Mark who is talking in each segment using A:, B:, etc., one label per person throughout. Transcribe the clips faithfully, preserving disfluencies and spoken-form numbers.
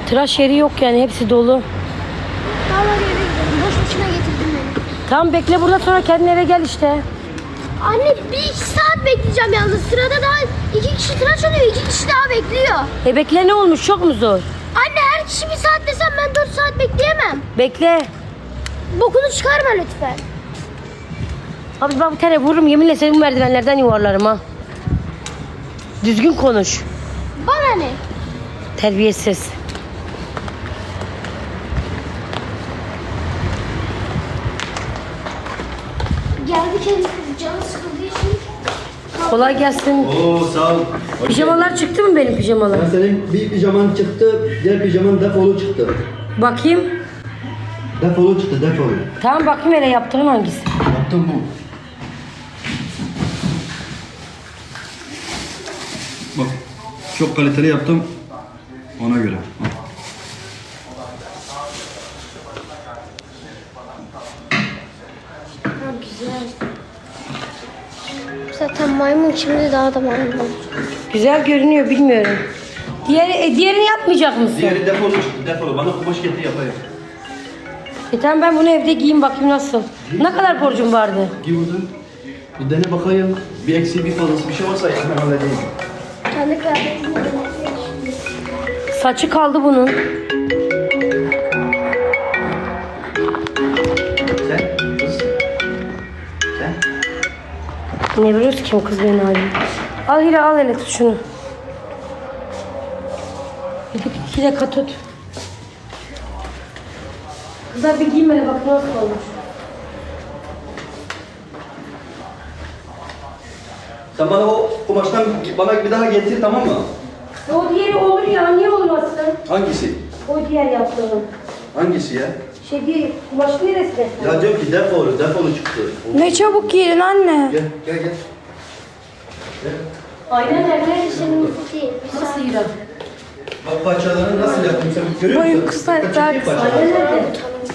A: Tıraş yeri yok yani, hepsi dolu.
B: Daha var eve gidelim. Boş boşuna getirdin beni.
A: Tamam bekle burada, sonra kendin eve gel işte.
B: Anne bir iki saat bekleyeceğim yalnız. Sırada daha iki kişi tıraş oluyor. iki kişi daha bekliyor.
A: E bekle, ne olmuş, çok mu zor?
B: Anne her kişi bir saat desem ben dört saat bekleyemem.
A: Bekle.
B: Bokunu çıkarma lütfen.
A: Abi ben bir tane vururum, yeminle seni bu merdivenlerden yuvarlarım ha. Düzgün konuş.
B: Bana ne?
A: Terbiyesiz.
B: Geldik evde canı sıkıldığı için.
A: Kolay gelsin.
C: Oo sağ ol. Hoş
A: Pijamalar
C: geldin.
A: çıktı mı benim pijamalar?
C: Ya senin bir pijaman çıktı, diğer pijaman defolu çıktı.
A: Bakayım.
C: Defolu çıktı, defolu.
A: Tamam bakayım hele, yaptığın hangisi?
C: Yaptım bu. Bak, çok kaliteli yaptım. Ona göre. Bak.
B: Güzel. Zaten maymun şimdi daha da maymun olacak.
A: Güzel görünüyor, bilmiyorum. Diğeri, e, diğerini yapmayacak mısın?
C: Diğeri defolu çıktı, defolu. Bana kumaş getir yapayım.
A: E tamam, ben bunu evde giyeyim bakayım nasıl. Ne kadar borcum vardı?
C: Giy buradan. Bir dene bakayım. Bir eksiği bir fazlası bir şey varsa hemen halledeyim.
B: Kendi kıyafetini de
A: Saçı kaldı bunun.
C: Sen kız. Sen.
A: Ne biliyorsun ki o kız beni arıyor. Al Hira, al hele, tut şunu. Bir dakika, iki dakika tut. Kızlar bir giyin hele, bak nasıl olmuş.
C: Sen bana o kumaştan bana bir daha getir, tamam mı?
A: O diğeri olur ya, niye olmasın?
C: Hangisi?
A: O diğer yaptığım.
C: Hangisi ya?
A: Şey değil, kumaşın neresi?
C: Ya diyorum ki defolu, defolu çıktı.
D: Ne çabuk giydin anne.
C: Gel, gel, gel. Gel.
A: Aynen nerede?
B: senin değil.
A: Nasıl Hira?
C: Bak parçalarını nasıl yaptım sen görüyor musun?
D: Boyu kısa,
C: Dikkat
D: daha
C: çekeyim
D: kısa.
C: parçaları.
A: Aynen nerede?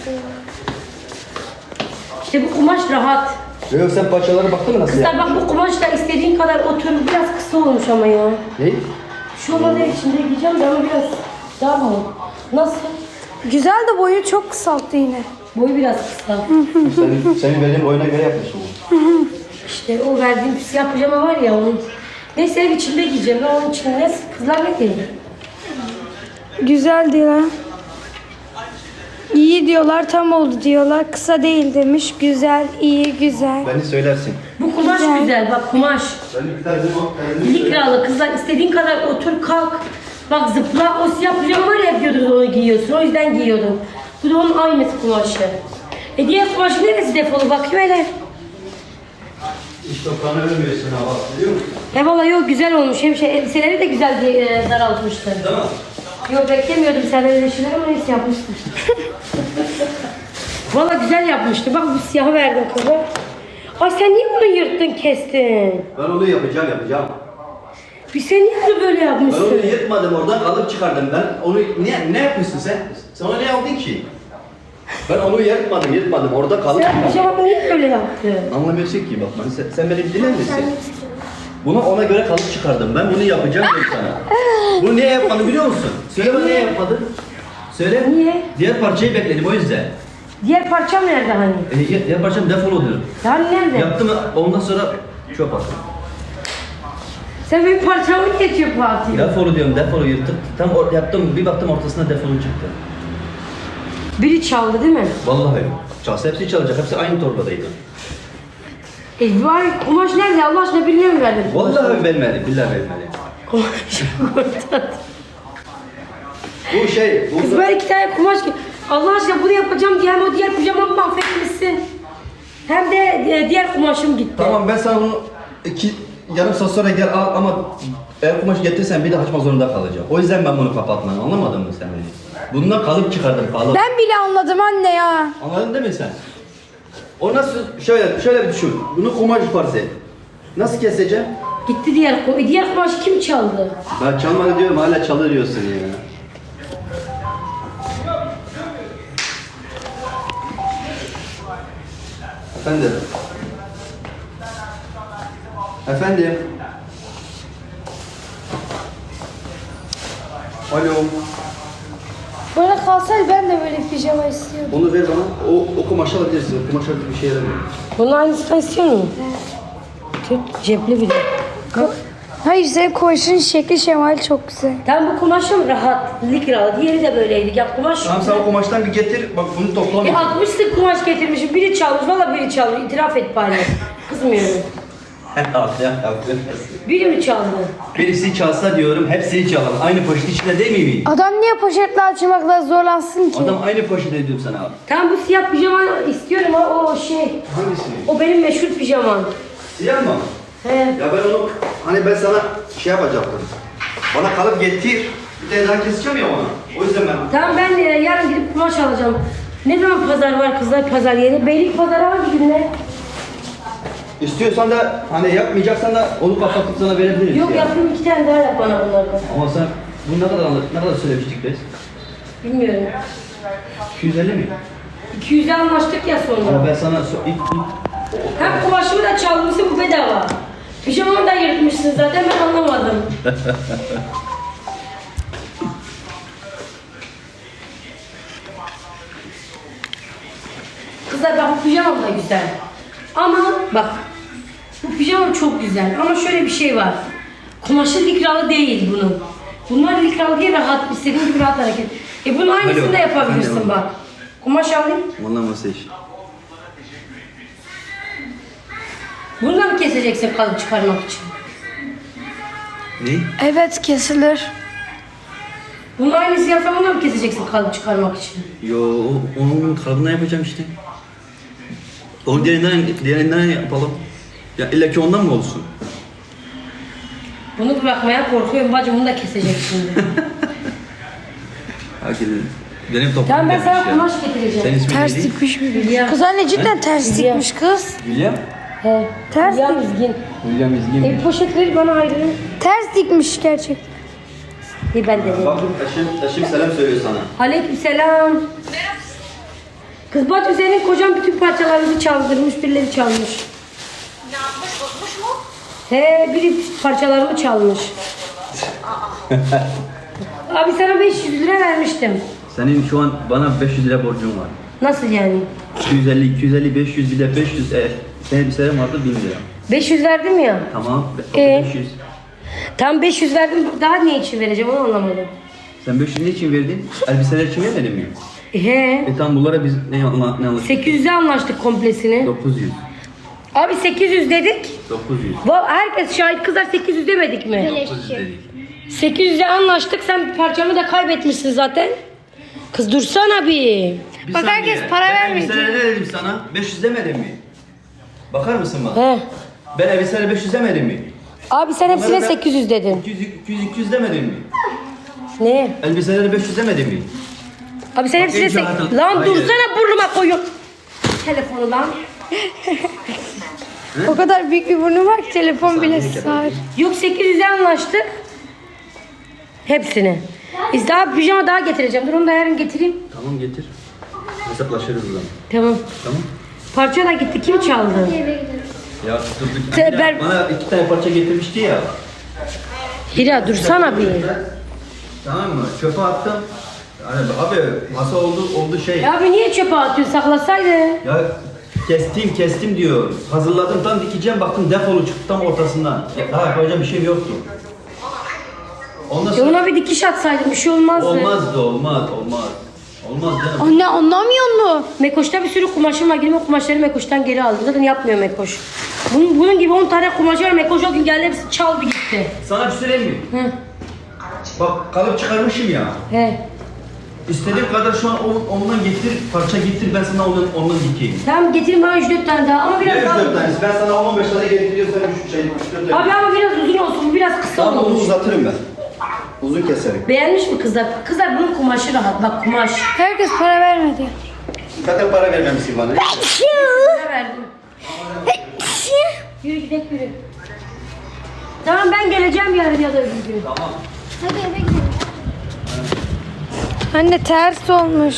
A: İşte bu kumaş rahat.
C: Yok sen parçalara baktın mı nasıl
A: Kızlar
C: yaptın?
A: bak, bu kumaşla istediğin kadar otur. Biraz kısa olmuş ama ya.
C: Ne?
A: Şu olmadığı içinde giyeceğim de ama biraz daha mı? Nasıl?
D: Güzel de boyu çok kısalttı yine.
A: Boyu biraz kısa.
C: Senin, senin verdiğin oyuna göre yapmışsın.
A: İşte o verdiğim siyah pijama var ya onun. Neyse ev içinde giyeceğim. Ben onun içinde kızlar ne diyor?
D: Güzel diyorlar. İyi diyorlar, tam oldu diyorlar. Kısa değil demiş. Güzel, iyi, güzel.
C: Beni söylersin.
A: Bu kumaş
D: Güzel.
A: güzel, bak kumaş.
C: Ben bir tane o
A: Likralı kızlar, istediğin kadar otur kalk. Bak zıpla, o siyah pijama var ya, diyordunuz onu giyiyorsun. O yüzden giyiyordum. Bu da onun aynısı kumaşı. E diğer kumaşı neresi defolu, bakıyor hele.
C: İş toprağını ölmüyorsun ha bak biliyor musun?
A: He valla yok, güzel olmuş. Hem şey, elbiseleri de güzel diye e, daraltmıştı.
C: Değil mi?
A: Yok beklemiyordum senden öyle şeyler ama neyse yapmıştım. Valla güzel yapmıştı. Bak bu siyahı verdim kıza. Ay sen niye bunu yırttın kestin?
C: Ben onu yapacağım yapacağım.
A: Bir sen niye bunu böyle
C: Ben
A: yapmışsın?
C: onu yırtmadım oradan kalıp çıkardım ben. Onu ne, ne yapıyorsun sen? Sen ona ne aldın ki? Ben onu yırtmadım yırtmadım orada kalıp
A: Sen pijamamı niye böyle yaptın?
C: Anlamıyorsun ki bak ben, sen, sen beni bir dinler misin? Bunu ona göre kalıp çıkardım. Ben bunu yapacağım dedim sana. Bunu niye yapmadın biliyor musun? Söyle bana niye yapmadın? Söyle.
A: Niye?
C: Diğer parçayı bekledim o yüzden.
A: Diğer parçam nerede hani?
C: E, diğer, diğer parçam defoludur.
A: Yani nerede?
C: Yaptım ondan sonra çöp attım.
A: Sen benim parçamı niye çöpe atıyorsun?
C: Defolu diyorum defolu yırtık. Tam or- yaptım bir baktım ortasına defolu çıktı.
A: Biri çaldı değil mi?
C: Vallahi. Çalsa hepsi çalacak. Hepsi aynı torbadaydı.
A: E var, kumaş nerede? Allah aşkına birine mi verdin?
C: Vallahi vermedi. Billahi vermedi.
A: Kumaş kurtar.
C: Bu şey. Bu
A: Kız böyle iki tane kumaş ki. Allah aşkına bunu yapacağım diye hem o diğer pijamamı mahvetmişsin. Hem de e, diğer kumaşım gitti.
C: Tamam ben sana bunu iki yarım saat sonra gel al ama eğer kumaş getirsen bir de açma zorunda kalacağım. O yüzden ben bunu kapatmam. Anlamadın mı sen beni? Bundan kalıp çıkardım kalıp.
D: Ben bile anladım anne ya.
C: Anladın değil mi sen? O nasıl şöyle şöyle bir düşün. Bunu kumaş farz et. Nasıl keseceğim?
A: Gitti diğer kumaş. Diğer kumaş kim çaldı?
C: Ben çalmadı diyorum hala çalır diyorsun ya. Efendim. Efendim. Alo.
D: Böyle kalsaydı ben de böyle pijama istiyordum.
C: Onu ver bana. O, o kumaşı alabilirsin. O kumaş artık bir şey yaramıyor.
A: Bunun aynısını istiyor musun? Tut, cepli bir de.
D: Hayır senin kumaşın şekli şemali çok güzel.
A: Tam bu kumaşım rahat, likralı. Diğeri de böyleydi. Ya kumaş...
C: Tamam sen o kumaştan bir getir. Bak bunu
A: E
C: toplamıyor.
A: altmış sık kumaş getirmişim. Biri çalmış. Valla biri çalmış. İtiraf et bari. Kızmıyorum. Biri mi çaldı?
C: Birisi çalsa diyorum, hepsini çalalım. Aynı poşet içinde değil miyim?
D: Adam niye poşetle açmakla zorlansın ki?
C: Adam aynı poşet ediyorum sana abi.
A: Tamam bu siyah pijama istiyorum ha o şey.
C: Hangisini?
A: O benim meşhur pijamam.
C: Siyah mı?
A: He.
C: Ya ben onu, hani ben sana şey yapacaktım. Bana kalıp getir. Bir de daha keseceğim ya ona. O yüzden ben...
A: Tamam ben e, yarın gidip kumaş alacağım. Ne zaman pazar var kızlar pazar yeri? Beylik pazarı hangi günler?
C: İstiyorsan da hani yapmayacaksan da onu kapatıp sana verebiliriz.
A: Yok
C: ya.
A: yapayım iki tane daha yap bana bunlardan.
C: Ama sen bunu ne kadar alır, ne kadar söylemiştik biz?
A: Bilmiyorum.
C: iki yüz elli mi?
A: iki yüze anlaştık ya
C: Ama
A: sonra.
C: ben sana so- ilk, ilk
A: Hem kumaşımı da çalmışsın bu bedava. Pijamamı da yırtmışsın zaten ben anlamadım. Kızlar bak bu pijamam da güzel. Ama bak bu pijamam çok güzel ama şöyle bir şey var. Kumaşı likralı değil bunun. Bunlar likralı diye rahat, istediğin gibi rahat hareket. E bunun aynısını
C: Alo,
A: da yapabilirsin
C: efendim.
A: bak. Kumaş alayım.
C: Vallahi masaj.
A: Bunu da mı keseceksin kalıp çıkarmak için?
C: Ne?
D: Evet kesilir.
A: Bunun aynısı yapsam onu da mı keseceksin kalıp çıkarmak için?
C: Yo, o- onun kalıbından yapacağım işte. Onu diğerinden, diğerinden yapalım. Ya illa ki ondan mı olsun?
A: Bunu bırakmaya korkuyorum bacım bunu da kesecek şimdi.
C: Hadi benim toplum
A: Tamam ben sana
C: demiş ya.
A: kumaş getireceğim.
C: Senin ismin
D: Ters
C: neydi?
D: dikmiş mi?
A: Hülya.
D: Kız anne cidden ters
A: Hülya.
D: dikmiş kız.
C: William.
A: He.
D: Ters
A: Hülya
D: dik-
A: Mizgin.
C: William İzgin.
A: E poşetleri bana ayrı.
D: Ters dikmiş gerçekten.
A: İyi ben de.
C: Bak taşım, taşım selam söylüyor sana.
A: Aleykümselam. Kız bacım senin kocan bütün parçalarımızı çaldırmış, birileri çalmış.
B: Ne yapmış? Bozmuş mu?
A: He, biri parçalarımı çalmış. Abi sana beş yüz lira vermiştim.
C: Senin şu an bana beş yüz lira borcun var.
A: Nasıl yani?
C: iki yüz elli, iki yüz elli, beş yüz bir de beş yüz. E, senin bir senem vardı bin lira.
A: beş yüz verdim ya.
C: Tamam.
A: Ee?
C: beş yüz.
A: Tam beş yüz verdim, daha ne için vereceğim onu anlamadım.
C: Sen beş yüz ne için verdin? Elbiseler için vermedin mi?
A: He.
C: E tamam bunlara biz ne, anla, ne anlaştık?
A: sekiz yüze anlaştık komplesini.
C: dokuz yüz.
A: Abi sekiz yüz dedik.
C: dokuz yüz.
A: Va- Herkes şahit kızlar sekiz yüz demedik mi?
C: dokuz yüz dedik.
A: sekiz yüze anlaştık. Sen parçamı da kaybetmişsin zaten. Kız dursana bir.
C: Bir
D: Bak
C: saniye.
D: herkes para
C: Ben
D: vermedi.
C: elbiselere ne dedim sana? beş yüz demedim mi? Bakar mısın bak?
A: He.
C: Ben elbiselere beş yüz demedim mi?
A: Abi sen hepsine
C: Bunlara ben
A: sekiz yüz dedin.
C: iki yüz, iki yüz, iki yüz demedim mi?
A: Ne?
C: Elbiselere beş yüz demedim mi?
A: Abi sen
C: Bak,
A: hepsine
C: iyice
A: sekiz...
C: hayatım-
A: Lan
C: Hayır.
A: dursana burnuma koyun. Telefonu lan.
D: O kadar büyük bir burnu var ki telefon bile
C: Saniye
D: sığar.
A: Yok sekiz yüze anlaştık. Hepsini. Biz daha pijama daha getireceğim. Dur onu da yarın getireyim.
C: Tamam getir. Hesaplaşırız o zaman.
A: Tamam.
C: Tamam.
A: Parça da gitti. Kim çaldı?
B: Eve gidelim.
C: Ya durduk.
A: Te- ben-
C: Bana iki tane parça getirmişti ya.
A: Hira dursana bir.
C: Tamam mı? Çöpe attım. Yani abi masa oldu oldu şey.
A: Ya abi niye çöpe atıyorsun? Saklasaydı.
C: Ya kestim kestim diyor. Hazırladım tam dikeceğim baktım defolu çıktı tam ortasından. Ya, daha yapacağım bir şey yoktu. Ondan
A: Ya
C: sonra
A: ona bir dikiş atsaydın bir şey olmazdı.
C: olmazdı olmaz olmaz. Olmaz canım.
D: Anne anlamıyor mu?
A: Mekoş'ta bir sürü kumaşım var. Gidip o kumaşları Mekoş'tan geri aldım. Zaten yapmıyor Mekoş. Bunun, bunun gibi on tane kumaş var. Mekoş o gün geldi hepsi çaldı gitti.
C: Sana bir şey söyleyeyim mi?
A: Hı.
C: Bak kalıp çıkarmışım ya.
A: He.
C: İstediğim kadar şu an on- ondan getir, parça getir ben sana ondan, ondan dikeyim.
A: Tamam getirin bana üç dört tane daha ama
C: Ne
A: biraz
C: üç
A: daha...
C: dört tanesi? Ben sana on beş tane getiriyorsam üç şey, üç dört tane.
A: Abi ama biraz uzun olsun. Bu biraz kısa
C: Tamam onu
A: olmuş.
C: uzatırım ben. Uzun keserim.
A: Beğenmiş mi kızlar? Kızlar bunun kumaşı rahat. Bak kumaş.
D: Herkes para vermedi.
C: Zaten para vermemişsin bana.
A: Ne verdim? Yürü gidelim yürü. Tamam ben geleceğim yarın ya da öbür gün.
C: Tamam.
B: Hadi eve gidelim.
D: Anne ters olmuş.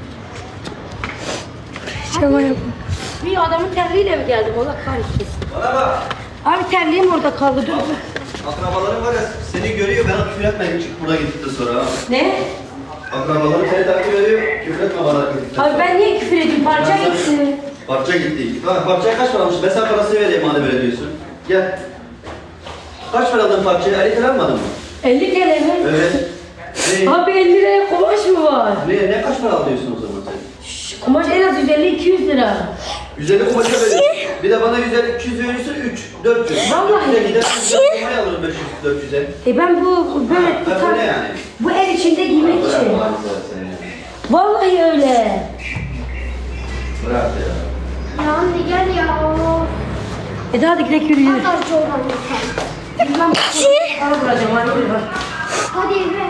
D: Pijama yap.
A: Bir adamın terliğiyle mi geldim? Allah kahretsin.
C: Bana bak.
A: Abi terliğim orada kaldı. Dur dur.
C: Akrabaların var ya seni görüyor bana küfür etmeyin çık burada gittikten sonra ha.
A: Ne?
C: Akrabaları seni takip ediyor. Küfür etme bana.
A: Abi ben niye küfür edeyim? Parça
C: Ben sana-
A: gitti.
C: Parça gitti. Tamam, parçaya kaç para almış? Ben sana parasını vereyim madem öyle diyorsun. Gel. Kaç para aldın parçaya? elli lira almadın mı?
A: elli T L mi?
C: Evet. Ne?
A: Abi elli liraya kumaş mı var?
C: Ne, ne kaç para alıyorsun o zaman sen?
A: Şş, kumaş en az yüz elli iki yüz lira.
C: yüz elli kumaşa veriyorsun. Bir de bana yüz elli iki yüz veriyorsun, üç, dört yüz.
A: Vallahi.
C: dört yüze gider, yüz elli kumayı alırım beş yüz, dört yüze.
A: E ben bu böyle
C: Ha, ben bu ne yani?
A: bu ev içinde giymek
C: Bırak
A: için.
C: Allah'ını seversen ya.
A: Vallahi öyle.
C: Bırak ya.
B: Ya anne gel ya.
A: E hadi gidelim yürüyelim.
B: Pazarcı olan lütfen.
A: Bilmem. Ara vuracağım hadi yürü bak.
B: Hadi eve.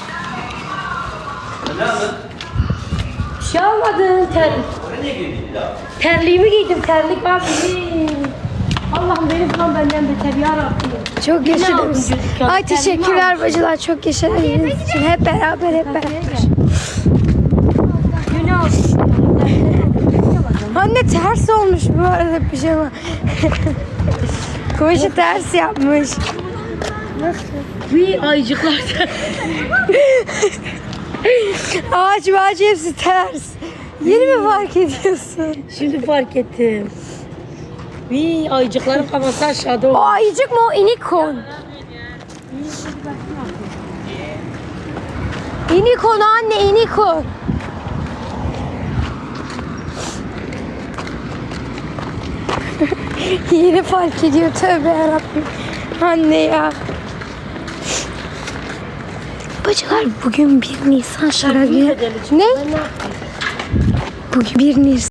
C: Ne aldın?
A: Bir şey almadın. Ter,
C: Oraya niye girdin bir daha?
A: terliğimi giydim. Terlik var benim. Allah'ım benim falan benden beter ya Rabbim.
D: Çok
A: Ne aldın
D: yaşadınız.
A: çocuk ya?
D: Ay
A: Terliğimi
D: teşekkürler
A: almışsın.
D: bacılar. Çok yaşadığınız için. Hep beraber hep beraber.
A: Günü alsın.
D: Anne ters olmuş bu arada pijama. Kumaşı ters yapmış.
A: Bir ayıcıklar.
D: Ağaç ağaç hepsi ters. Yeni mi fark ediyorsun?
A: Şimdi fark ettim. Bir ayıcıkların kafası aşağıda
D: O
A: oldu.
D: ayıcık mı o inikon? İnikon anne inikon. Yeni fark ediyor tövbe yarabbim. Anne ya. Bacılar bugün bir Nisan şarabı. Ne? Bugün bir Nisan.